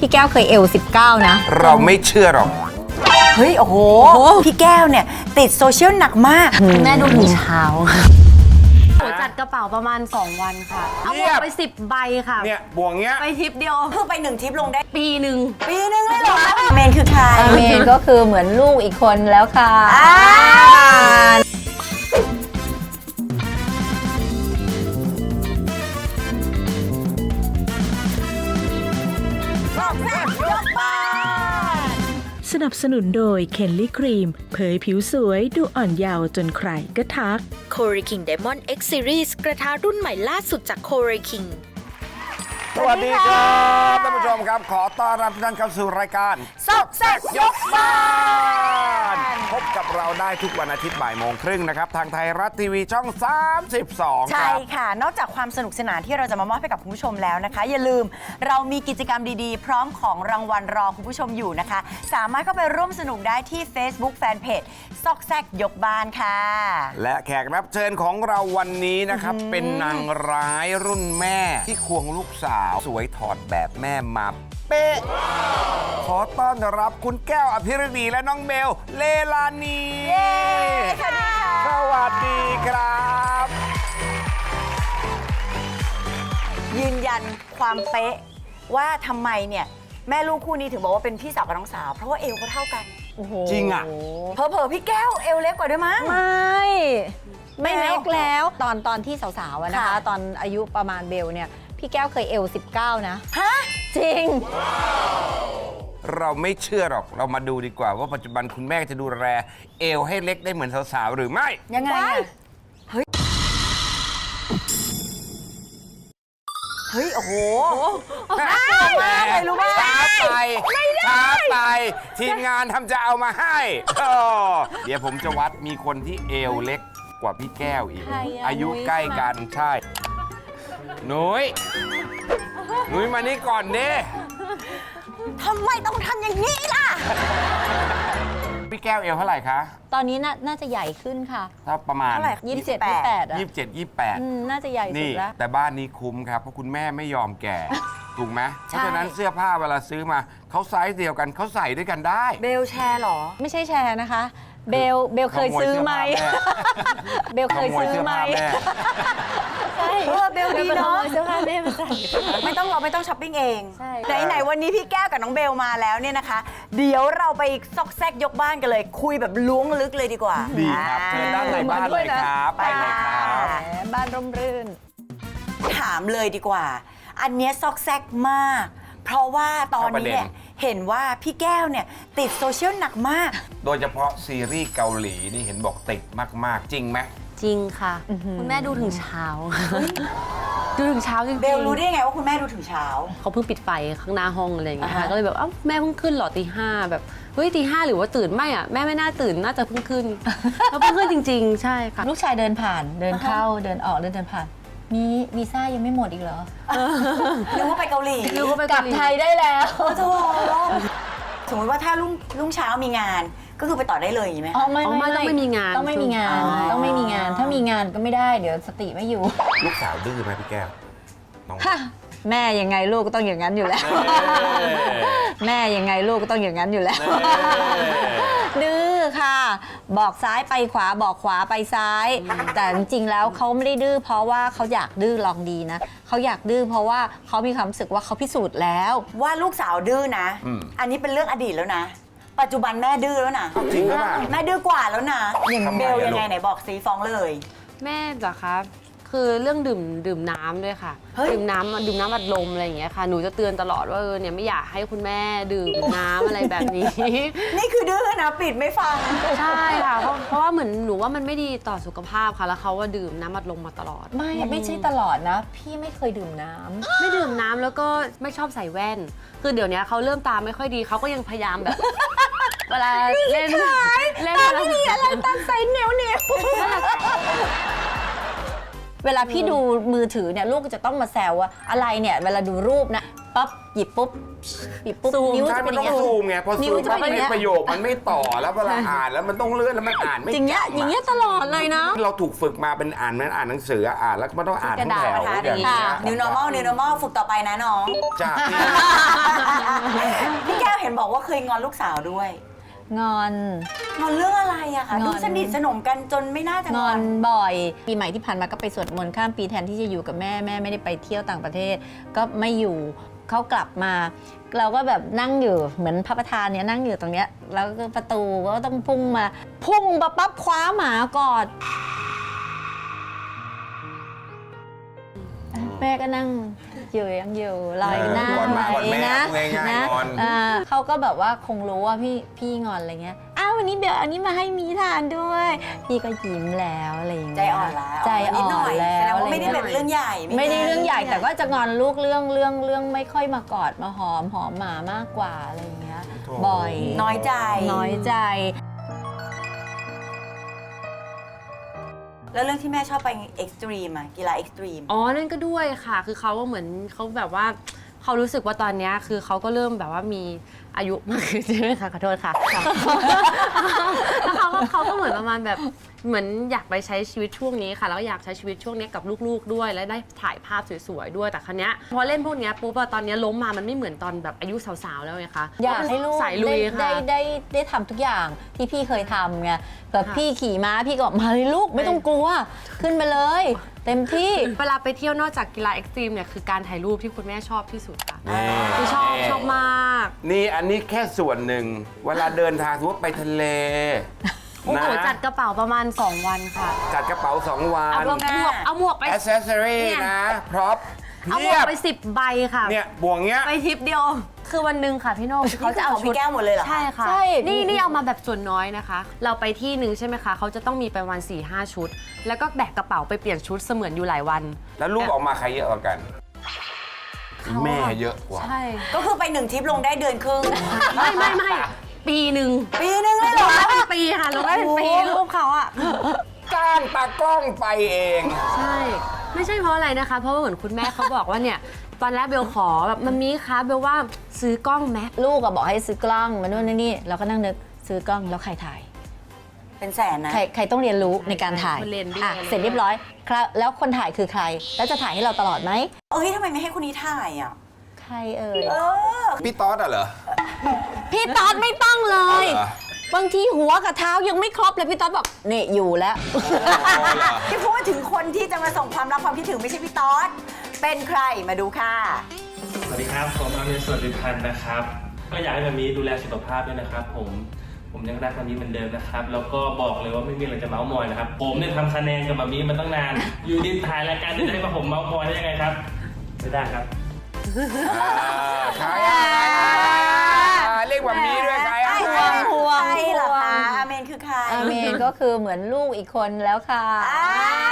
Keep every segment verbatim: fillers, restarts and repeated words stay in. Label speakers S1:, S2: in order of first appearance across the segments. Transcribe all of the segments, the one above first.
S1: พี่แก้วเคยเอลสิบเก้านะ
S2: เราไม่เชื่อหรอก
S3: เฮ้ย โอ้โห พี่แก้วเนี่ยติดโซเชียลหนักมาก
S4: แม่ดูถึงเช้าโหจัดกระเป๋าประมาณสองวันค่ะ เอาหมดไปสิบใบค่ะ
S2: เนี่ยบวงเงี้ย
S4: ไปทริปเดียว
S3: คือไปหนึ่งทริปลงได้
S4: ปีหนึ่ง
S3: ปีนึงเลยเหรอ เมนคือใคร
S1: เมนก็คือเหมือนลูกอีกคนแล้วค่ะ
S3: อ่า
S5: สนับสนุนโดยเคนลี่ครีมเผยผิวสวยดูอ่อนเยาว์จนใครก็ทัก
S6: c o r e King Diamond X Series กระทะรุ่นใหม่ล่าสุดจาก c o r e King
S2: สวัสดีครับท่านผู้ชมครับขอต้อนรับทุกท่านเข้าสู่รายการซอกแซกยกบ้านพบกับเราได้ทุกวันอาทิตย์บ่ายโมงครึ่งนะครับทางไทยรัฐทีวีช่องสามสิบสองค
S3: ใช่
S2: รับ
S3: ค่ะ นอกจากความสนุกสนานที่เราจะมามอบให้กับคุณผู้ชมแล้วนะคะ อย่าลืมเรามีกิจกรรมดีๆ พร้อมของรางวัลรอคุณผู้ชมอยู่นะคะ สามารถเข้าไปร่วมสนุกได้ที่ Facebook Fanpage ซอกแซกยกบ้านค่ะ
S2: และแขกรับเชิญของเราวันนี้นะครับเป็นนางร้ายรุ่นแม่ที่ควงลูกสาวสวยถอดแบบแม่มาเป๊ะขอต้อนรับคุณแก้วอภิรดีและน้องเบลเลลานี
S3: สวัสดีค่ะ
S2: สวัสดีครับ
S3: ยืนยันความเป๊ะว่าทำไมเนี่ยแม่ลูกคู่นี้ถึงบอกว่าเป็นพี่สาวกับน้องสาว เพราะว่าเอวเขาเท่ากัน
S1: โอ้โห
S2: จริงอ่ะ
S3: เผลอๆพี่แก้วเอวเล็กกว่าด้วยมั้ง
S1: ไม่ ไม่เล็กแล้ว ตอนตอนที่สาวๆอะนะคะ
S3: ค่ะ
S1: ตอนอายุประมาณเบลเนี่ย พี่แก้วเคยเอลสิบเก้านะ
S3: ฮะ
S1: จริง
S2: เราไม่เชื่อหรอกเรามาดูดีกว่าว่าปัจจุบันคุณแม่จะดูแลเอวให้เล็กได้เหมือนสาวๆหรือไม่
S3: ยังไงอะเฮ้ย เฮ้ย โอ้โห
S2: ไม่รู้ว่าช้าไปช้าไป ทีมงานทำจะเอามาให้อ้อเดี๋ยวผมจะวัดมีคนที่เอวเล็กกว่าพี่แก้วอีก
S1: ใครอะ
S2: อายุใกล้กันใช่หนุ้ยหนุ้ยมานี่ก่อนเด้
S3: ทำไมต้องทำอย่างนี้ล่ะ
S2: พี่แก้วเอวเท่าไหร่คะ
S1: ตอนนี้น่าน่าจะใหญ่ขึ้นค่ะ
S2: ถ้าประมาณ
S3: เท่าไหร่
S1: ยี่สิบเจ็ด ยี่สิบแปดอะ
S2: ยี่สิบเจ็ดยี่สิบแปด
S1: อืมน่าจะใหญ่สุ
S2: นี่
S1: ดแล้ว
S2: แต่บ้านนี้คุ้มครับ เพราะคุณแม่ไม่ยอมแก่ ถูกไหมเพ
S3: ใช่
S2: ราะฉะนั้นเสื้อผ้าเวลาซื้อมาเขาไซส์เดียวกันเขาใส่ด้วยกันได้
S3: เบลแชร์เหรอ
S1: ไม่ใช่แชร์นะคะ เบล เบลเคยซื้อไหม เบลเคยซื้อไหม
S2: ขโมยเสื้อผ้าแม่
S3: เออเบลดีเนาะ
S4: เสื้อผ้าแม่มาใส่
S3: ไม่ต้องเราไม่ต้องช้อปปิ้งเอง
S1: ใช่
S3: ไหนไหนๆวันนี้พี่แก้วกับน้องเบลมาแล้วเนี่ยนะคะ เดี๋ยวเราไปซอกแซกยกบ้านกันเลย คุยแบบล้วงลึกเลยดีกว่า
S2: ดีครับเชิญด้านในบ้านเลยครับ ไปเลยครับ
S1: แหมบ้านร่มรื่น
S3: ถามเลยดีกว่า อันเนี้ยซอกแซกมาก เพราะว่าตอนนี้เนี่ยเห็นว่าพี่แก้วเนี่ยติดโซเชียลหนักมาก
S2: โดยเฉพาะซีรีส์เกาหลีนี่เห็นบอกติดมาก ๆ จริงไหม
S4: จริงค่ะ คุณแม่ดูถึงเช้า ดูถึงเช้าจริงๆ
S3: เบลรู้ได้ยังไงว่าคุณแม่ดูถึงเช้า
S4: เขาเพิ่งปิดไฟข้างหน้าห้องอะไรอย่างเงี้ยค่ะ
S3: อ่าฮะ
S4: ก็เลยแบบเอ้าแม่เพิ่งขึ้นเหรอตีห้าแบบเฮ้ยตีห้าหรือว่าตื่นไม่อ่ะแม่ไม่น่าตื่นน่าจะเพิ่งขึ้น แล้วเพิ่งขึ้นจริง ๆ ใช่ค่ะ
S1: ลูกชายเดินผ่าน เดินเข้า เดินออก เดินเดินผ่าน มีวีซ่ายังไม่หมดอีกเหรอ
S3: นึกว่าไปเกาหลี
S4: นึกว่าไป
S1: กลั
S4: เกา
S1: บ
S4: หลี
S1: ไทยได้แล้ว
S3: โอ้โหสมมติว่าถ้ารุ่งรุ่งเช้ามีงาน ก็คือไปต่อได้เลยอย่างนี้ไหม
S1: อ๋อไม่
S4: อ๋อไม่ต้องไม่มีงาน
S1: ต้องไม่มีงาน
S3: อ๋อ
S1: ต้องไม่มีงาน ถ้ามีงานก็ไม่ได้ เดี๋ยวสติไม่อยู่
S2: ลูกสาวดื้อไหมพี่แก้วน้อง
S1: แม่ยังไงลูกก็ต้องอย่างนั้นอยู่แล้ว แม่ยังไงลูกก็ต้องอย่างนั้นอยู่แล้ว ดื้อค่ะ บอกซ้ายไปขวาบอกขวาไปซ้าย แต่จริงๆแล้วเขาไม่ได้ดื้อเพราะว่าเขาอยากดื้อลองดีนะเขาอยากดื้อเพราะว่าเขามีความรู้สึกว่าเขาพิสูจน์แล้ว
S3: ว่าลูกสาวดื้อนะ
S2: อืม
S3: อันนี้เป็นเรื่องอดีตแล้วนะ ปัจจุบันแม่ดื้อแล้วนะ
S2: จริงหรือเปล่า
S3: แม่ดื้อกว่าแล้วนะ
S2: อย่าง
S3: เบล
S2: ทำไมอะ
S3: ยังไง
S2: ลูก
S3: ไหนบอกซีฟ้องเลย
S4: แม่เหรอคะคือเรื่องดื่มดื่มน้ำด้วยค่ะ
S3: เฮ้ย
S4: ดื่มน้ำดื่มน้ำอัดลมอะไรอย่างเงี้ยค่ะหนูจะเตือนตลอดว่าเออเนี่ยไม่อยากให้คุณแม่ดื่มน้ำอะไรแบบนี้
S3: นี่คือดื้อนะปิดไม่ฟัง
S4: ใช่ค่ะเพราะเพราะว่าเหมือนหนูว่ามันไม่ดีต่อสุขภาพค่ะแล้วเขาว่าดื่มน้ำอัดลมมาตลอด
S1: ไม่ไม่ใช่ตลอดนะ พี่ไม่เคยดื่มน้ำ
S4: ไม่ดื่มน้ำแล้วก็ไม่ชอบใส่แว่น คือเดี๋ยวนี้เขาเริ่มตาไม่ค่อยดีเขาก็ยังพยายามแบบ เวลาเล่นเล่นไม่มีอะไรตาใส่เหนียวเหนียว
S1: เวลาพี่ดูมือถือเนี่ยลูกก็จะต้องมาแซวว่าอะไรเนี่ยเวลาดูรูปนะปั๊บหยิบปุ๊บหยิบปุ๊บนิ้ว
S2: ใช่
S1: จะ
S2: มั
S1: เป็น นอ
S2: ต้อย่าง
S1: งเงี้ย
S2: ซูมไงพอ
S1: นิ้
S2: ซู
S1: ว
S2: ม
S1: จะ
S2: ปั๊บ
S1: เป็นอย่างเงี้ย
S2: ประโยคมันไม่ต่อแล้วเวลาอ่านแล้วมันต้องเลื่อนแล้วมันอ่านไม่
S1: อย่างเงี้ย
S2: จำะ
S1: อย่างเงี้ยตลอดเลยนะ
S2: เราถูกฝึกมาเป็นอ่านเหมันอ่านหนังสืออ่านแล้วก็ไม่ต้องอ่านทั้งแถว
S3: กระดาษ
S2: อย่าง
S3: ค่ะ
S2: เงี้ย
S3: New normal New normal ฝึกต่อไปนะน้อง
S2: จากที่
S3: บอกว่าเคยงอนลูกสาวด้วย
S1: งอน
S3: งอนเรื่องอะไรอะคะ
S1: งอน
S3: ดูสนิทสนมกันจนไม่น่าจะ
S1: ง
S3: ง
S1: อ
S3: อน น
S1: บ่อย ปีใหม่ที่ผ่านมาก็ไปสวดมนต์ข้ามปีแทนที่จะอยู่กับแม่แม่ไม่ได้ไปเที่ยวต่างประเทศ ก็ไม่อยู่เขากลับมา เราก็แบบนั่งอยู่เหมือนพระประธานเนี่ยนั่งอยู่ตรงเนี้ยแล้วก็ประตูก็ต้องพุ่งมาพุ่งมาปั๊บคว้าหมากอดแม่ก็นั่งอยู่ยังอยู่ลอยหน้า
S2: ก่อนมาก่อนแม่
S1: นะ
S2: ง่ายๆ
S1: นะ
S2: งอน
S1: อ่าเขาก็แบบว่าคงรู้ว่าพี่พี่งอนอะไรเงี้ยอ้าววันนี้เบลอันนี้มาให้มีทานด้วย พี่ก็ยิ้มแล้วอะไรอย่างเงี้ย
S3: ใจอ่อนแล้ว
S1: ใจอ่
S3: นิด
S1: อ
S3: หน่
S1: น
S3: อย
S1: แล้
S3: แสดง
S1: ว
S3: ว่าไม่ได้เป็นเรื่องใหญ่
S1: ไม่ได้เรื่องใหญ่
S3: ไม่
S1: แต่ก็จะงอนลูกเรื่องเรื่องเรื่องไม่ค่อยมากอดมาหอมหอมหมามากกว่าอะไรอย่างเงี้ยบ่อย
S3: น้อยใจ
S1: น้อยใจ
S3: แล้วเรื่องที่แม่ชอบไปเอ็กซ์ตรีมอะกีฬาเอ็กซ์ตรีม
S4: อ๋อ นั่นก็ด้วยค่ะ คือเขาว่าเหมือนเขาแบบว่าเขารู้สึกว่าตอนเนี้ยคือเขาก็เริ่มแบบว่ามีอายุมากขึ้นใช่ไหมคะขอโทษค่ะ แล้วเขาก็เขาก็เหมือนประมาณแบบเหมือนอยากไปใช้ชีวิตช่วงนี้ค่ะ แล้วก็อยากใช้ชีวิตช่วงนี้กับลูกๆด้วย และได้ถ่ายภาพสวยๆด้วย แต่ครั้งนี้ยพอเล่นพวกเนี้ยปุ๊บอะตอนเนี้ยล้มมามันไม่เหมือนตอนแบบอายุสาวๆแล้วไงคะ
S1: อยากให้ลูก
S4: สายลุย
S1: ได้
S4: ค่ะ
S1: ได้ได้ได้ทำทุกอย่างที่พี่เคยทำไงแบบพี่ขี่ม้าพี่ก็บอกมาเลยลูกไม่ต้องกลัว ขึ้นมาเลย เต็มที่
S4: เวลาไปเที่ยวนอกจากกีฬาเอ็กซ์ตรีมเนี่ยคือการถ่ายรูปที่คุณแม่ชอบที่สุดค่ะ
S2: นี่
S4: คือชอบชอบมาก
S2: นี่อันนี้แค่ส่วนหนึ่ง เวลาเดินทางสมมติไปทะเล
S4: โอ้โห
S2: นะ
S4: จัดกระเป๋าประมาณ สอง วันค่ะ
S2: จัดกระเป๋าสองวั
S4: เอา
S2: น
S4: หมวกหมวกเอาหมวกไป
S2: แอ c เซสซอรี่
S4: เนี่ย
S2: นะ พร็อพ
S4: เอาหม
S2: เพี
S4: วย ก
S2: บ
S4: ไปสิบใบค่ะ
S2: เนี่ยบวงเงี้ย
S4: ไปทริปเดียว คือวันหนึ่งค่ะพี่โน่เขาจะเอา
S3: ของพี่
S4: ชุด
S3: แก้วหมดเลยเหรอ
S4: ใช่ค่ะ
S1: ใช่
S4: นี่นี่เอามาแบบส่วนน้อยนะคะ เราไปที่หนึ่งใช่ไหมคะเขาจะต้องมีไปวันสี่ห้าชุด แล้วก็แบกกระเป๋าไปเปลี่ยนชุดเสมือนอยู่หลายวัน
S2: แล้วลูกออกมาใครเยอะกว่ากัน แม่เยอะกว่า
S4: ใช่
S3: ก็คือไปหนึ่งทริปลงได้เดือนครึ่ง
S4: ไม่ไม่ไม่ปีหนึ่ง
S3: ปีนึงเลยเหร
S4: ล
S3: อง
S4: ได้เป็นปีค่ะลงได้เป็นปีรูปเขาอะ
S2: จ้างตากล้องไปเอง
S4: ใช่ ไม่ใช่เพราะอะไรนะคะ เพราะว่าเหมือนคุณแม่เขาบอกว่าเนี่ย ตอนแรกเบลขอแบบมันมีคะเบลว่าซื้อกล้องไหม
S1: ลูกก็บอกให้ซื้อกล้องมาโน่นนี่เราก็นั่งนึกซื้อกล้องแล้วใครถ่าย
S3: เป็นแสนนะ
S1: ใครใครต้องเรียนรู้ในการถ่าย
S4: คนเรียนด้วย
S1: อ่ะเสร็จเรียบร้อยครับแล้วคนถ่ายคือใคร แล้วจะถ่ายให้เราตลอดไหม
S3: เอ้ยทำไมไม่ให้คนนี้ถ่ายอ่ะ
S1: ใครเอ่ย
S3: เออ
S2: พี่ต๊อดอะเหรอ
S1: พี่ต๊อดไม่ต้องเลย
S2: เอาเหรอ
S1: บางทีหัวกับเท้ายังไม่ครบเลยพี่ต๊อดบอกนี่อยู่แล้ว
S3: ที่พูดถึงคนที่จะมาส่งความรักความคิดถึงไม่ใช่พี่ต๊อด เป็นใครมาดูค่ะ
S7: สวัสดีครับ ผมอามินสวัสดิพันธ์นะครับ ก็อยากให้มามีดูแลสุขภาพด้วยนะครับ ผม ผมยังรักมามีเหมือนเดิมนะครับ แล้วก็บอกเลยว่าไม่มีอะไรจะเมาส์มอยนะครับ ผมเนี่ยทำคะแนนกับมามีมาตั้งนาน อยู่ดีถ่ายรายการจะได้มาผมเมาส์มอยได้ยังไงครับ ไม่ได้ครับ
S2: ใครอะเรียกแบบนี้ด้วยใครอะ
S1: ห่วงห่วง
S3: ใครเหรอคะอาเมนคือใคร
S1: อาเมนก็คือเหมือนลูกอีกคนแล้วค่ะ
S3: อ้าว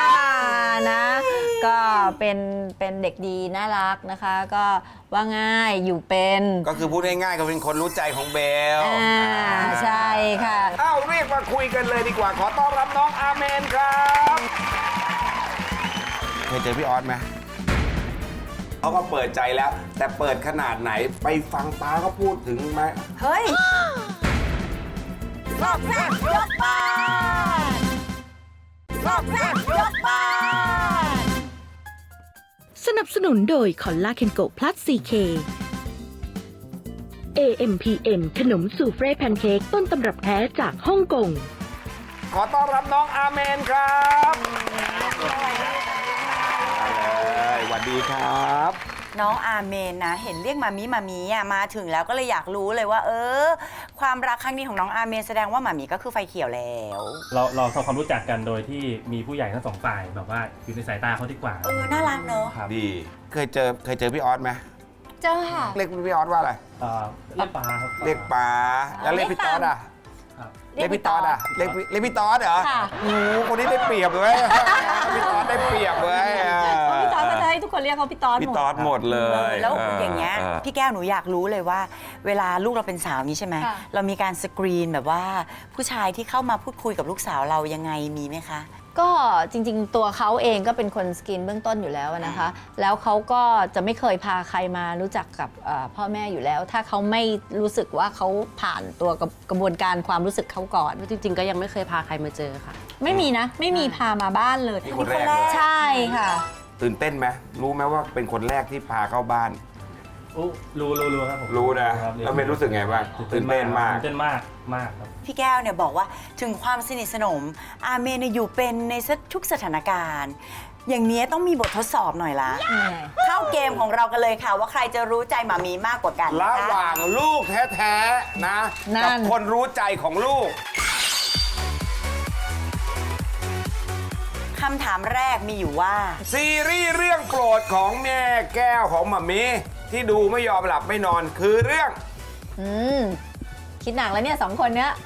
S1: นะ ก็เป็นเป็นเด็กดีน่ารักนะคะ ก็ว่าง่ายอยู่เป็น
S2: ก็คือพูดง่ายๆก็เป็นคนรู้ใจของเบล
S1: อ่าใช่ค่ะ
S2: อ้าวเรียกมาคุยกันเลยดีกว่า ขอต้อนรับน้องอาเมนครับ เคยเจอพี่ออสไหมเขาก็เปิดใจแล้ว แต่เปิดขนาดไหนไปฟังป้าเขาพูดถึงไหม
S3: เฮ้ยรอบแรกยกบ้านรอบแรกยกบ้าน
S5: สนับสนุนโดยคอลลาเคนโกพลัส ซี เค เอ เอ็ม พี เอ็ม ขนมสูเฟรแพนเค้กต้นตำรับแท้จากฮ่องกง
S2: ขอต้อนรับน้องอาเมนครับสวัสดีครับ
S3: น้องอาเมนนะ เห็นเรียกมามีมามีอ่ะมาถึงแล้วก็เลยอยากรู้เลยว่า เออ ความรักครั้งนี้ของน้องอาเมนแสดงว่ามามีก็คือไฟเขียวแล้ว
S7: เราเราทำความรู้จักกันโดยที่มีผู้ใหญ่ทั้งสองฝ่ายแบบว่าอยู่ในสายตาเขาดีกว่า
S3: เออ น่ารักเนอะ
S7: ครับ
S2: ดี เคยเจอเคยเจอพี่ออสไหม
S1: เจ้าค่ะ
S2: เรียกพี่ออสว่าอะไร
S7: เอ่อเรียกปลาครับ
S2: เรียกป๋าแล้วเรียกพี่ต๊อดอ่ะ
S7: ครับ
S2: เรียกพี่ต๊อดอ่ะเรียกพี่เรียกพี่ต๊อดเหรอ
S1: ค่ะ
S2: โอ้โหคนนี้ได้เปรียบเลยพี่ต๊อดได้เปรียบเลย
S1: พี่ต๊อดก็จะให้ทุกคนเรียกเขาพี่ต๊อด
S2: พี่
S1: หมด
S2: ต๊อดหมดเลย
S3: แล้วอย่างเงี้ย
S2: ออ
S3: พี่แก้วหนูอยากรู้เลยว่า เวลาลูกเราเป็นสาวนี้ใช่ไหม
S1: ค่ะ
S3: เรามีการสกรีนแบบว่า ผู้ชายที่เข้ามาพูดคุยกับลูกสาวเรายังไงมีไหมคะ
S1: ก็จริงๆ ตัวเขาเองก็เป็นคนสกรีนเบื้องต้นอยู่แล้วนะคะ แล้วเขาก็จะไม่เคยพาใครมารู้จักกับเอ่อพ่อแม่อยู่แล้ว ถ้าเขาไม่รู้สึกว่าเขาผ่านตัวกระกระบวนการความรู้สึกเขาก่อน
S4: จริงๆ ก็ยังไม่เคยพาใครมาเจอค่ะ
S1: ไม่มีนะ ไม่มีพามาบ้านเลย
S2: นี่คนแรกเลย
S1: ใช่ค่ะ
S2: ตื่นเต้นไหมรู้ไหมว่าเป็นคนแรกที่พาเข้าบ้าน
S7: อู้รู้รู้รู้ครับผม
S2: รู้นะครับ แล้วเมย์รู้สึกไงบ้างตื่นเต้นมาก
S7: ตื่นเต้นมากมากครับ
S3: พี่แก้วเนี่ยบอกว่าถึงความสนิทสนมอาเมนเนี่ยอยู่เป็นในทุกสถานการณ์ อย่างนี้ต้องมีบททดสอบหน่อยละ เข้าเกมของเรากันเลยค่ะ ว่าใครจะรู้ใจหมามีมากกว่ากัน
S2: ระ
S3: นะคะ
S2: หว่างลูกแท้ๆนะ
S1: นั่
S2: กับ
S1: น
S2: คนรู้ใจของลูก
S3: คำถามแรกมีอยู่ว่า
S2: ซีรีส์เรื่องโปรดของแม่แก้วของหมามีที่ดูไม่ยอมหลับไม่นอนคือเรื่อง
S1: อืมคิดหนักแล้วเนี่ยสองคนเนี้ย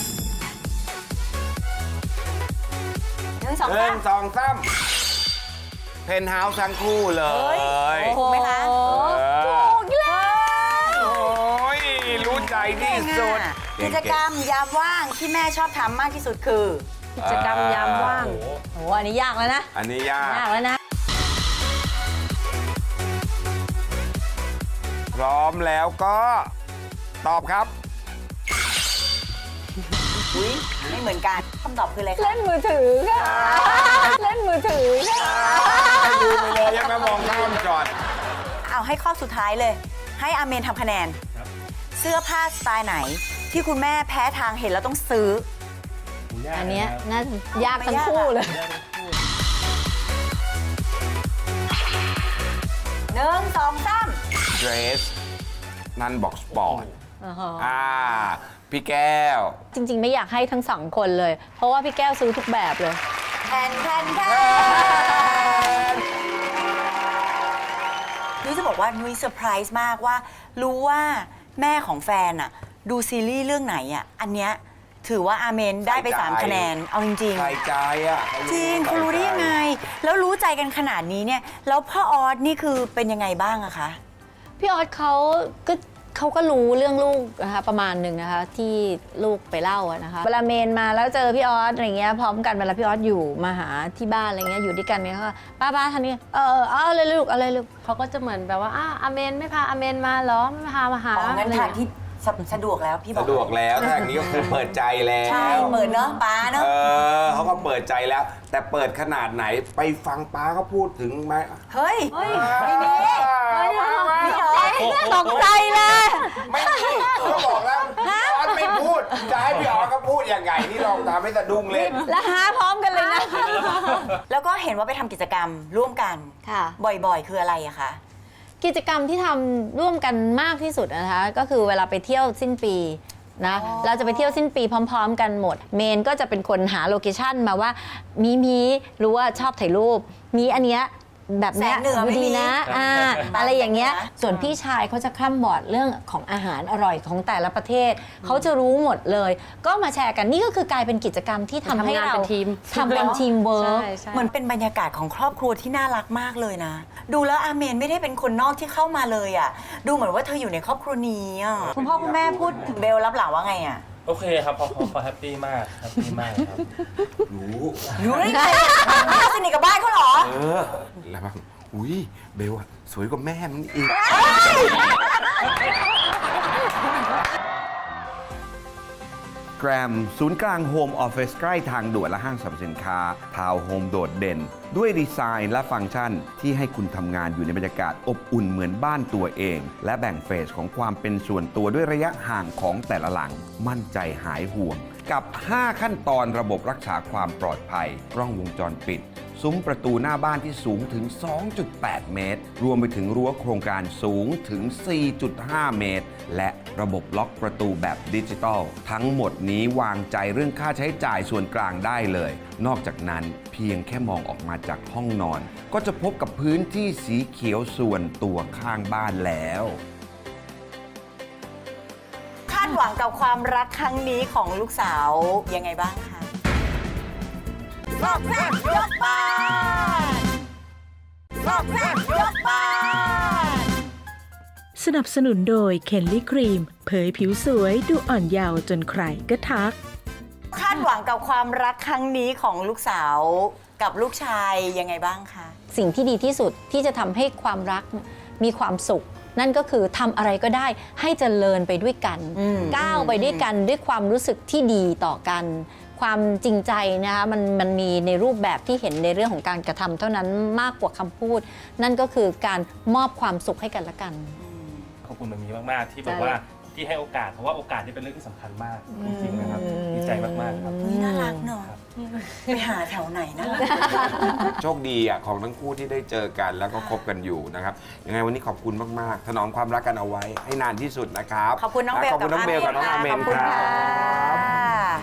S3: หนึ่งสอง
S2: เรื่
S3: สา
S2: อง
S3: ม
S2: สองซ้ำเพนท์เฮาส์ทั้งคู่เลย
S3: ถูกไหมคะ
S2: เออ
S1: ถูกแล้ว
S2: โอ้ยรู้ใจที่สุด
S3: กิจกรรมยามว่างที่แม่ชอบทำมากที่สุดคือ
S4: กิจกรรมยามว่าง
S1: โอ้อันนี้ยากแล้วนะ
S2: อันนี้ยาก
S1: ยากแล้วนะ
S2: พร้อมแล้วก็ตอบครับ
S3: อุ้ยไม่เหมือนกันคำตอบคืออะไรคะ
S1: เล่นมือถือค่ะ เล่นมือถือค่ะ
S2: ให้ดูไปเลยยังไม่มองข้ามจอด
S3: เอาให้ข้อสุดท้ายเลย ให้อาเมนทำคะแนน เสื้อผ้าสไตล์ไหน ที่คุณแม่แพ้ทางเห็นแล้วต้องซื้อ
S1: อันเนี้ยน่ายากทั้งคู่เลย
S3: หนึ่งสองสาม
S2: Dress นันบอกสปอร์ตอ่า พี่แก้ว
S1: จริง ๆ ไม่อยากให้ทั้งสองคนเลย เพราะว่าพี่แก้วซื้อทุกแบบเลย
S3: แทนแทนแทนนุ้ยจะบอกว่านุ้ยเซอร์ไพรส์มากว่า รู้ว่าแม่ของแฟนอะดูซีรีส์เรื่องไหนอะอันเนี้ยถือว่าอาเมนได้ไป
S2: ใส่ใจ
S3: สามคะแนน เอาจริง
S2: ใส่ใจอ่ะ
S3: ๆ จริงเขารู้ได้ยังไง แล้วรู้ใจกันขนาดนี้เนี่ย แล้วพ่อออสนี่คือเป็นยังไงบ้างอะคะ
S1: พี่ออสเขาก็เขาก็รู้เรื่องลูกนะคะประมาณหนึ่งนะคะที่ลูกไปเล่าอะนะคะเวลาเมนมาแล้วเจอพี่ออสอะไรเงี้ยพร้อมกันเวลาพี่ออสอยู่มาหาที่บ้านอะไรเงี้ยอยู่ด้วยกันเนี่ยเขาก็ป้าป้าทันนี้เออเออเอาเลยลูกเอาเลยลูก
S4: เขาก็จะเหมือนแบบว่าอ่ะอาเมนไม่พาอาเมนมาเหรอไม่พามาหา
S3: อ๋องั้น
S4: อะไรอ
S3: ทา
S4: ย่าง ง
S3: ที่
S4: เงี้ย
S3: สะสะดวกแล้วพี่บอก
S2: สะดวกแล้วทางนี้ก็คือเปิดใจแล้ว
S3: ใช่เปิดเนาะป้าเนาะ
S2: เออเขาก็เปิดใจแล้ว แต่เปิดขนาดไหนไปฟังป้าเขาพูดถึงไหม
S3: เฮ้ย
S2: ไม่มี
S3: พี่ออส
S1: ตกใจเลย
S2: ไม่มีเขาบอกแล้วพี่ออสไม่พูด จะให้พี่ออสเขาพูดยังไง นี่ลองทำให้สะดุ้งเล่น
S1: แล้วหาพร้อมกันเลยนะ
S3: แล้วก็เห็นว่าไปทำกิจกรรมร่วมกัน
S1: ค่ะ
S3: บ่อยๆ คืออะไรอะคะ
S1: กิจกรรมที่ทำร่วมกันมากที่สุดนะคะก็คือเวลาไปเที่ยวสิ้นปีนะเราจะไปเที่ยวสิ้นปีพร้อม ๆ กันหมด เมนก็จะเป็นคนหาโลเคชั่นมาว่ามีมีรู้ว่าชอบถ่ายรูป มีอันเนี้ยแบบเนี้ย
S3: แสงเหนือไม่
S1: ดูดี
S3: มี
S1: นะอ่า
S3: บ้าน
S1: อะไรอย่างเงี้ย
S3: แสงเหนือ
S1: ส่วนพี่ชายเขาจะคล่ำบอดเรื่องของอาหารอร่อยของแต่ละประเทศ เขาจะรู้หมดเลย ก็มาแชร์กันนี่ก็คือกลายเป็นกิจกรรมที่ทำให้
S4: ทำงาน
S1: เรา
S4: เป็นทีม
S1: ทำเป็นทีมเวิร์ก
S4: ใช่ใช่
S3: เหมือนเป็นบรรยากาศของครอบครัวที่น่ารักมากเลยนะ ดูแล้วอาเมนไม่ได้เป็นคนนอกที่เข้ามาเลยอะดูเหมือนว่าเธออยู่ในครอบครัวนี้อะคุณพ่อคุณแม่พูดถึงเบลรับหลังว่าไงอะ
S7: โอเคครับเขาเขาเขาแฮปปี้มากแฮปปี้มากครับ
S2: รู้
S3: เฮ้ยไม่สนิทกับบ้านเขาเหรอ
S2: เออ แล้วบ้างอุ้ยเบลอะสวยกว่าแม่มันอีก แกรมศูนย์กลางโฮมออฟฟิศใกล้ทางด่วนและห้างสรรพสินค้า ทาวน์โฮมโดดเด่น ด้วยดีไซน์และฟังก์ชันที่ให้คุณทำงานอยู่ในบรรยากาศอบอุ่นเหมือนบ้านตัวเอง และแบ่งเฟสของความเป็นส่วนตัวด้วยระยะห่างของแต่ละหลัง มั่นใจหายห่วง กับ ห้า ขั้นตอนระบบรักษาความปลอดภัย กล้องวงจรปิด ซุ้มประตูหน้าบ้านที่สูงถึง สองจุดแปด เมตร รวมไปถึงรั้วโครงการสูงถึง สี่จุดห้า เมตร และระบบล็อกประตูแบบดิจิตอลทั้งหมดนี้วางใจเรื่องค่าใช้จ่ายส่วนกลางได้เลย นอกจากนั้นเพียงแค่มองออกมาจากห้องนอน ก็จะพบกับพื้นที่สีเขียวส่วนตัวข้างบ้านแล้ว
S3: คาดหวังกับความรักครั้งนี้ของลูกสาวยังไงบ้างคะรอบแรกยกบ้านรอบแรกยกบ้าน
S5: สนับสนุนโดยเคนลี่ครีม เผยผิวสวยดูอ่อนเยาว์จนใครก็ทัก
S3: คาดหวังกับความรักครั้งนี้ของลูกสาวกับลูกชายยังไงบ้างคะ
S1: สิ่งที่ดีที่สุดที่จะทำให้ความรักมีความสุข นั่นก็คือทำอะไรก็ได้ให้เจริญไปด้วยกัน
S3: อืม
S1: ก้าวไปด้วยกันด้วยความรู้สึกที่ดีต่อกัน ความจริงใจนะคะมันมันมีในรูปแบบที่เห็นในเรื่องของการกระทำเท่านั้นมากกว่าคำพูด นั่นก็คือการมอบความสุขให้กันและกัน
S7: ขอบคุณแบบนี้มากๆที่แบบว่าที่ให้โอกาสเพราะว่าโอกาสนี่เป็นเรื่องที่สำคัญมากจริงๆนะครับดีใจมากๆครับ
S3: นี่น่ารักเนาะไปหาแถวไหนนะล่ะ
S2: โชคดีอ่ะของทั้งคู่ที่ได้เจอกันแล้วก็คบกันอยู่นะครับยังไงวันนี้ขอบคุณมากๆถนอมความรักกันเอาไว้ให้นานที่สุดนะครับ
S3: ขอบคุณน้องเบล
S2: ขอบคุณน้องเบลกับน้องอาเมน
S3: ขอบคุณ
S2: ครั
S3: ค่ะ
S2: บ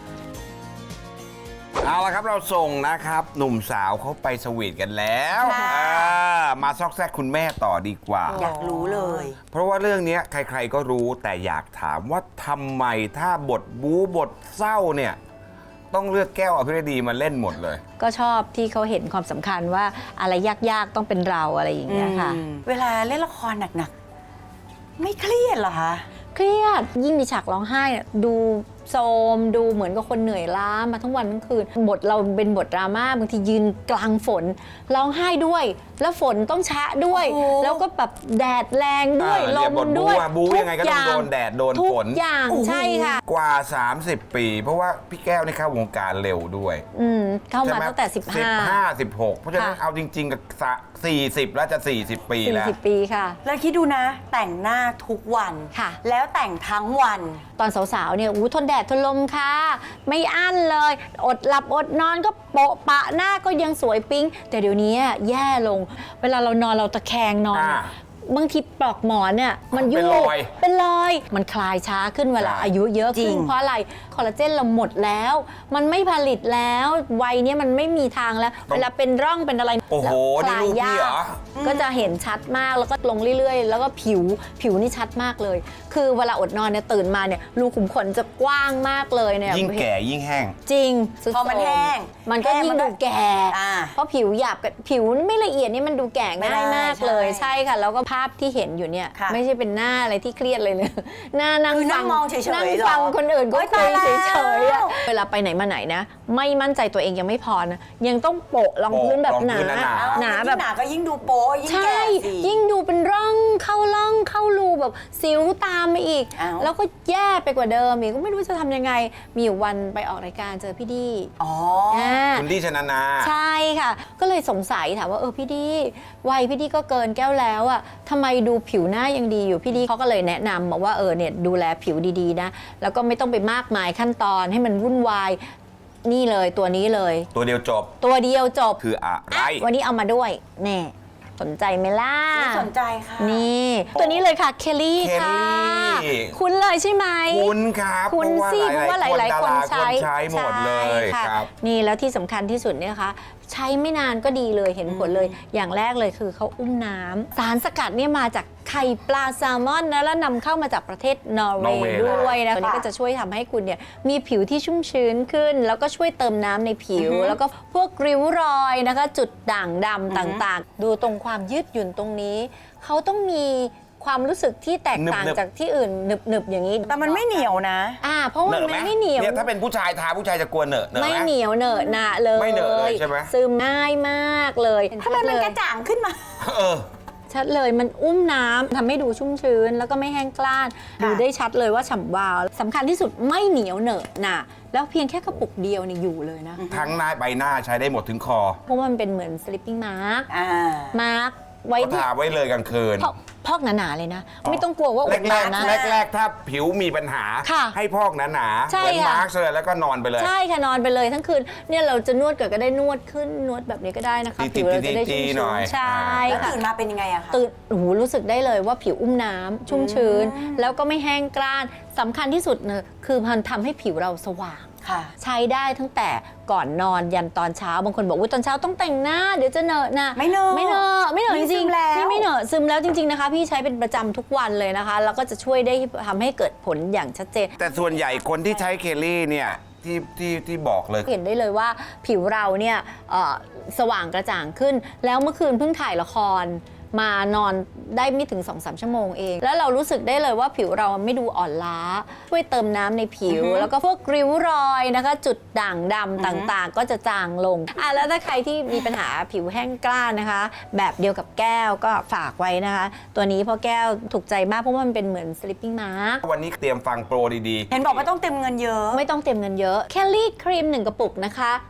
S2: เอาละครับเราส่งนะครับหนุ่มสาวเขาไปสวีทกันแล้ว
S3: ค่ะ
S2: อ่ามาซอกแซกคุณแม่ต่อดีกว่า
S3: อยากรู้เลย
S2: เพราะว่าเรื่องนี้ใครๆก็รู้แต่อยากถามว่าทำไมถ้าบทบู๊บทเศร้าเนี่ยต้องเลือกแก้วอภิรดีมาเล่นหมดเลย
S1: ก็ชอบที่เขาเห็นความสำคัญว่าอะไรยากๆต้องเป็นเราอะไรอย่างเงี้ยค่ะ
S3: เวลาเล่นละครหนักๆ ไม่เครียดเหรอคะ
S1: เครียดยิ่งมีฉากร้องไห้เนี่ยดูโซมดูเหมือนกับคนเหนื่อยล้ามาทั้งวันทั้งคืนบทเราเป็นบทดราม่าบางทียืนกลางฝนร้องไห้ด้วย แล้วฝนต้องชะด้วย
S3: โอ้
S1: แล้วก็แบบแดดแรงด้วย
S2: อ่า
S1: ล
S2: เนี่ย
S1: ม
S2: บทบู๊
S1: ด้วย
S2: อะบู๊ยังไงก็ต้องโดนแดดโดน
S1: ทุก
S2: ฝน
S1: อย่างใช่ค่ะ
S2: กว่า สามสิบ ปี เพราะว่าพี่แก้วนี่เข้าวงการเร็วด้วย
S1: อืมเข้า
S2: ใช่
S1: มา
S2: ไห
S1: ตั้งแต่สิบห้า
S2: ห้า สิบหกเพราะฉะนั้น
S1: ค่ะ
S2: เอาจริงๆกับสี่สิบแล้วจะ สี่สิบ ปี
S1: สี่
S2: แล้ว
S1: สิบปีค่ะ
S3: แล้วคิดดูนะ แต่งหน้าทุกวัน
S1: ค่ะ
S3: แล้วแต่งทั้งวัน
S1: ตอนสาวๆ เนี่ยอู้ทนแดดทนลมค่ะ ไม่อั้นเลย อดหลับอดนอนก็โปะปะหน้าก็ยังสวยปิ๊ง แต่เดี๋ยวนี้อะแย่ลง เวลาเรานอนเราตะแคงนอนอะ
S2: อ่า
S1: บางทีปลอกหมอนเนี่ยมัน
S2: เป็น
S1: ยุ่
S2: รอย
S1: เป็นรอย มันคลายช้าขึ้นเวลา
S2: ใช่
S1: อายุเยอะ
S3: จริ
S1: ขึ้น
S3: ง
S1: เพราะอะไร คอลลาเจนเราหมดแล้ว มันไม่ผลิตแล้ว วัยเนี้ยมันไม่มีทางแล้ว เวลาเป็นร่องเป็นอะไร
S2: โอ้โห
S1: ค
S2: นี่
S1: ลาย
S2: ลูกพี่
S1: ยา
S2: เหร
S1: ก
S2: อ
S1: ก็จะเห็นชัดมากแล้วก็ลงเรื่อยๆ แล้วก็ผิวผิวนี่ชัดมากเลย คือเวลาอดนอนเนี่ยตื่นมาเนี่ยรูขุมขนจะกว้างมากเลยเนี่ย
S2: ยิ่งแก่ยิ่งแห้ง
S1: จริงสุด
S3: พอมัน
S1: โทร
S3: แห้ง
S1: มันก็
S3: แห้ง
S1: ยิ่ง
S3: มันก็
S1: ดูแก่
S3: อ่า
S1: เพราะผิวหยาบกับผิวไม่ละเอียดนี่มันดูแก่
S3: ไม่ได้
S1: ง่ายมากเลย
S3: ใช่
S1: ใช่ค่ะ แล้วก็ภาพที่เห็นอยู่เนี่ย
S3: ค่ะ
S1: ไม่ใช่เป็นหน้าอะไรที่เครียดเลยเลย หน้านั่ง
S3: คือนั่
S1: ฟั
S3: งมองเฉยๆ
S1: นั่ง
S3: เหรอ
S1: ฟังคนอื่นก็
S3: โอ๊ย
S1: คุย
S3: ตายแล้ว
S1: เฉยๆอะเวลาไปไหนมาไหนนะ ไม่มั่นใจตัวเองยังไม่พอนะยังต้องโปะรองพื้นแบบ
S2: โปะรอง
S1: หนา
S2: พื้นหนา
S3: เอา
S1: หนา
S3: ยิ่ง
S1: แบบ
S3: หนาก็ยิ่งดูโป๊ยิ่ง
S1: ใช่
S3: แก่สิ
S1: ยิ่งดูเป็นร่องเข้าร่องเข้ารูแบบสิวตามมาอีก
S3: อ้าว
S1: แล้วก็แย่ไปกว่าเดิมอีกก็ไม่รู้จะทำยังไง มีอยู่วันไปออกรายการเจอพี่ดี
S3: อ๋อ
S1: อ่า
S2: คุณดีชนานา
S1: ใช่ค่ะ ก็เลยสงสัยถามว่าเออพี่ดีวัยพี่ดีก็เกินแก้วแล้วอะทำไมดูผิวหน้ายังดีอยู่พี่ดีเขาก็เลยแนะนำบอกว่าเออเนี่ยดูแลผิวดีๆนะแล้วก็ไม่ต้องไปมากมายขั้นตอนให้มันวุ่นวายนี่เลยตัวนี้เลย
S2: ตัวเดียวจบ
S1: ตัวเดียวจบ
S2: คืออะไร
S1: วันนี้เอามาด้วยแน่สนใจไหมล่ะ
S3: ไม่สนใจค่ะ
S1: นี่ ตัวนี้เลยค่ะเคลลี่
S2: เคล
S1: ค่ะ
S2: ลี่
S1: คุ้นเลยใช่ไหม
S2: คุณครับ
S1: คุณ
S2: เพราะว่า
S1: สิเพราะว่าห
S2: ห
S1: ลา
S2: ลาย ย
S1: ๆ
S2: ๆ
S1: ค
S2: คน น
S1: ใช้
S2: ใช้หมดเลย
S1: ใช่ค่ะ
S2: ครับ
S1: นี่แล้วที่สำคัญที่สุดเนี่ยนะคะใช้ไม่นานก็ดีเลยเห็นผลเลย อย่างแรกเลยคือเขาอุ้มน้ำสารสกัดเนี่ยมาจากไข่ปลาแซลมอนนะแล้วนำเข้ามาจากประเทศนอร์เวน
S2: อร์เวย์
S1: ย์ด้วยนะตัวนี้ก็จะช่วยทำให้คุณเนี่ยมีผิวที่ชุ่มชื้นขึ้น แล้วก็ช่วยเติมน้ำในผิว แล้วก็พวกริ้วรอยนะคะ จุดด่างดำต่างๆ ดูตรงความยืดหยุ่นตรงนี้เขาต้องมีความรู้สึกที่แตกต่าง
S2: หนึบๆ
S1: จากที่อื่นหนึบๆอย่างนี้
S3: แต่มันไม่เหนียวนะ
S1: อ่าเพราะว่า
S2: เหน
S1: มัน
S2: อะไหม
S1: ไม่เหนียว
S2: เนี่ยถ้าเป็นผู้ชายทาผู้ชายจะกลัวเหนอะเหนอะ
S1: ไม่
S2: ไหม
S1: เหนียวเหนอะหนะเลย
S2: ไม่เหนอะเลยใช่ไหม
S1: ซึมง่ายมากเลย
S3: ทำไมมันกระจ่างขึ้นมา
S2: เออ
S1: ชัดเลยมันอุ้มน้ำทำให้ดูชุ่มชื้น แล้วก็ไม่แห้งกร้าน ดูได้ชัดเลยว่าฉ่ำวาวสำคัญที่สุดไม่เหนียวเหนอะหนะแล้วเพียงแค่กระปุกเดียวนี่อยู่เลยนะ
S2: ทั้งหน้าใบหน้าใช้ได้หมดถึงคอ
S1: เพราะว่ามันเป็นเหมือน sleeping mask
S3: อ่า
S1: มาร์กไว้
S2: ก็ทาไว้เลยกลางคืน
S1: พอกพอกหนาๆเลยนะ ไม่ต้องกลัวว่าอดน
S2: แร
S1: อก นนะ
S2: ๆแรกๆถ้าผิวมีปัญหา
S1: ค่ะ
S2: ให้พอกหนาๆ
S1: ใช่
S2: เหมือน
S1: ค่ะ
S2: มาร์กเลยแล้วก็นอนไปเลย
S1: ใช่ค่ะนอนไปเลยทั้งคืนเนี่ยเราจะนวดเกิดก็ได้นวดขึ้นนวดแบบนี้ก็ได้นะคะ
S2: ตีๆ
S1: ผิวเราจะได้ชุ่ม
S2: ๆหน่
S1: ชื้
S2: อย
S1: นใช่
S3: แล้ว
S1: ค่ะ
S3: ตื่นมาเป็นยังไงอะคะ
S1: ตื่นโอ้โหรู้สึกได้เลยว่าผิวอุ้มน้ำชุ่มชื้น แล้วก็ไม่แห้งกร้านสำคัญที่สุดเนี่ยคือมันทำให้ผิวเราสว่าง
S3: ค่ะ
S1: ใช้ได้ตั้งแต่ก่อนนอนยันตอนเช้าบางคนบอกว่าตอนเช้าต้องแต่งหน้าเดี๋ยวจะเหนอะหนะ
S3: ไม่เหนอะ
S1: ไม่เหนอะไม่เหนอะ
S3: นี่
S1: จริง
S3: ซึมแล้ว
S1: ๆนี่ไม่เหนอะซึมแล้วจริงๆนะคะ พี่ใช้เป็นประจำทุกวันเลยนะคะ แล้วก็จะช่วยได้ทำให้เกิดผลอย่างชัดเจน
S2: แต่ส่วนใหญ่คนที่ใช้เคลลี่เนี่ยที่ที่ที่บอกเลย
S1: เห็นได้เลยว่าผิวเราเนี่ยเอ่อสว่างกระจ่างขึ้น แล้วเมื่อคืนเพิ่งถ่ายละครมานอนได้ไม่ถึง สองสาม ชั่วโมงเอง แล้วเรารู้สึกได้เลยว่าผิวเราไม่ดูอ่อนล้า ช่วยเติมน้ำในผิว แล้วก็พวกริ้วรอยนะคะ จุดด่างดำต่างๆ ก็จะจางลงอ่ะแล้วถ้าใครที่มีปัญหาผิวแห้งกร้านนะคะ แบบเดียวกับแก้วก็ฝากไว้นะคะ ตัวนี้เพราะแก้วถูกใจมากเพราะว่ามันเป็นเหมือน sleeping mask
S2: วันนี้เตรียมฟังโปรดี
S3: เห็นบอกว่าต้องเต็มเงินเยอะ
S1: ไม่ต้องเต็มเงินเยอะแคลรี่ครีมหนึ่งกระปุกนะคะ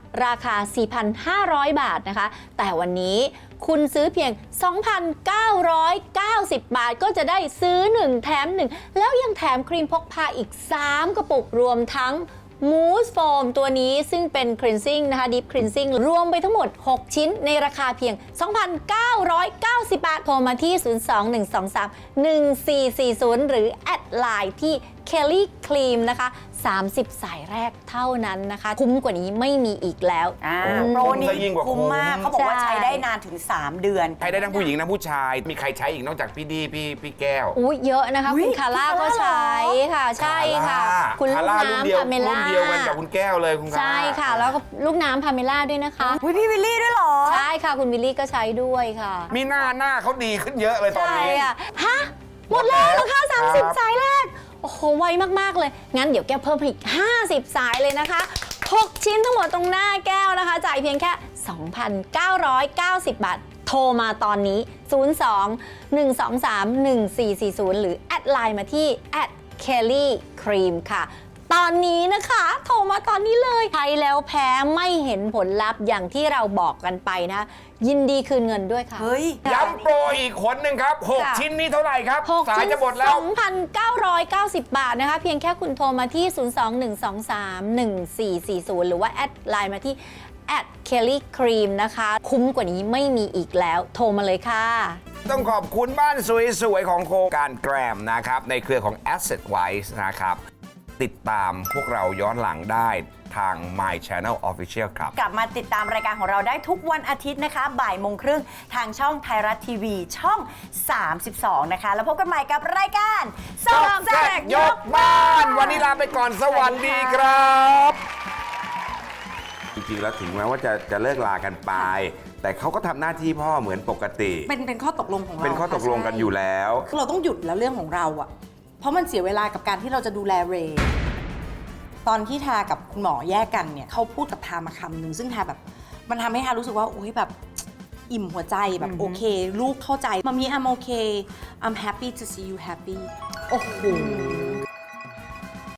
S1: ราคา สี่พันห้าร้อย บาทนะคะแต่วันนี้คุณซื้อเพียง สองพันเก้าร้อยเก้าสิบ บาทก็จะได้ซื้อหนึ่งแถมหนึ่งแล้วยังแถมครีมพกพาอีกสามกระปุกรวมทั้งมูสโฟมตัวนี้ซึ่งเป็น cleansing นะคะ deep cleansing รวมไปทั้งหมดหกชิ้นในราคาเพียง สองพันเก้าร้อยเก้าสิบ บาทโทรมาที่ ศูนย์ สอง หนึ่ง สอง สาม หนึ่ง สี่ สี่ ศูนย์ หรือแอดไลน์ที่ Kelly Cream นะคะสามสิบ สายแรกเท่านั้นนะคะคุ้มกว่านี้ไม่มีอีกแล้ว
S3: อ่า
S2: อืม
S3: โปรนี้
S2: จะยิ่งกว่าคุ้
S3: คุ้
S2: ม
S3: มมากเขาบอกว่า
S1: ใช่
S3: ใช้ได้นานถึง สาม เดือน
S2: ใช้ได้ทั้งผู้หญิงทั้งผู้ชาย มีใครใช้อีกนอกจากพี่ดีพี่พี่แก้ว
S1: อุ้ยเยอะนะคะ
S3: อุ๊ย
S1: คุณคาร่า
S3: คุณ
S1: ก็
S3: คาร่า
S1: ใช้ค่ะ ใช่ค่ะ คุณลู
S2: คาก ร่ารุ่นเดียว
S1: น้ำพาเม
S2: รุ่
S1: ล่าน
S2: เดียวกันกับคุณแก้วเลยคุณคาร่า
S1: ใช่ค่ะ แล้วก็ลูกน้ำพาเมล่าด้วยนะคะ
S3: อุ๊ยพี่วิลลี่ด้วยเหรอ
S1: ใช่ค่ะ คุณวิลลี่ก็ใช้ด้วยค่ะ
S2: มีหน้าหน้าเขาดีขึ้นเยอะเลยตอน
S1: ใช่
S2: นี้
S1: อ่ะฮะ หมดแล้วเหรอคะ
S2: ครั
S1: สาม
S2: บ
S1: สิบ สายแรก โอ้โห ไวมาก ๆ เลย งั้นเดี๋ยวแก้วเพิ่มอีก ห้าสิบ สายเลยนะคะ หก ชิ้นทั้งหมดตรงหน้าแก้วนะคะ จ่ายเพียงแค่ สองพันเก้าร้อยเก้าสิบ บาท โทรมาตอนนี้ ศูนย์ สอง หนึ่ง สอง สาม หนึ่ง สี่ สี่ ศูนย์ หรือแอดไลน์มาที่ แอด Kelly Cream ค่ะ ตอนนี้นะคะ โทรมาตอนนี้เลยใช้แล้วแพ้ไม่เห็นผลลัพธ์อย่างที่เราบอกกันไปนะ ยินดีคืนเงินด้วยค่ะ
S3: เฮ้ย
S2: ย้ำโปรอีกคนหนึ่งครับหก
S1: ค่ะ
S2: ชิ้นนี้เท่าไหร่ครับ
S1: หก
S2: สาย
S1: ชิ้น
S2: จะหมดแล้ว
S1: สองพันเก้าร้อยเก้าสิบ บาทนะคะ เพียงแค่คุณโทรมาที่ ศูนย์ สอง หนึ่ง สอง สาม หนึ่ง สี่ สี่ ศูนย์ หรือว่าแอดไลน์มาที่ แอด Kelly Cream นะคะ คุ้มกว่านี้ไม่มีอีกแล้ว โทรมาเลยค่ะ
S2: ต้องขอบคุณบ้านสวยๆ ของโครงการแกรมนะครับ ในเครือของ Asset Wise นะครับ ติดตามพวกเราย้อนหลังได้ทาง My Channel Official ครับ
S3: กลับมาติดตามรายการของเราได้ทุกวันอาทิตย์นะคะ บ่ายโมงครึ่งทางช่องไทยรัฐทีวีช่อง สามสิบสอง นะคะ แล้วพบกันใหม่กับรายการซอกแซกยกบ้าน
S2: วันนี้ลาไปก่อนสวัสดีครับ จริงๆ แล้วถึงแม้ว่าจะจะเลิกลากันไป แต่เขาก็ทำหน้าที่พ่อเหมือนปกติ
S8: เป็นเป็นข้อตกลงของเรา
S2: เป็นข้อตกลงกันอยู่แล้ว
S8: เราต้องหยุดแล้วเรื่องของเราอะเพราะมันเสียเวลากับการที่เราจะดูแลเรย์ตอนที่ทากับคุณหมอแยกกันเนี่ยเขาพูดกับทามาคำหนึ่งซึ่งทาแบบมันทำให้ทารู้สึกว่าโอ้ยแบบอิ่มหัวใจแบบโอเค ลูกเข้าใจมามี I'm okay I'm happy to see you happy โอ้โห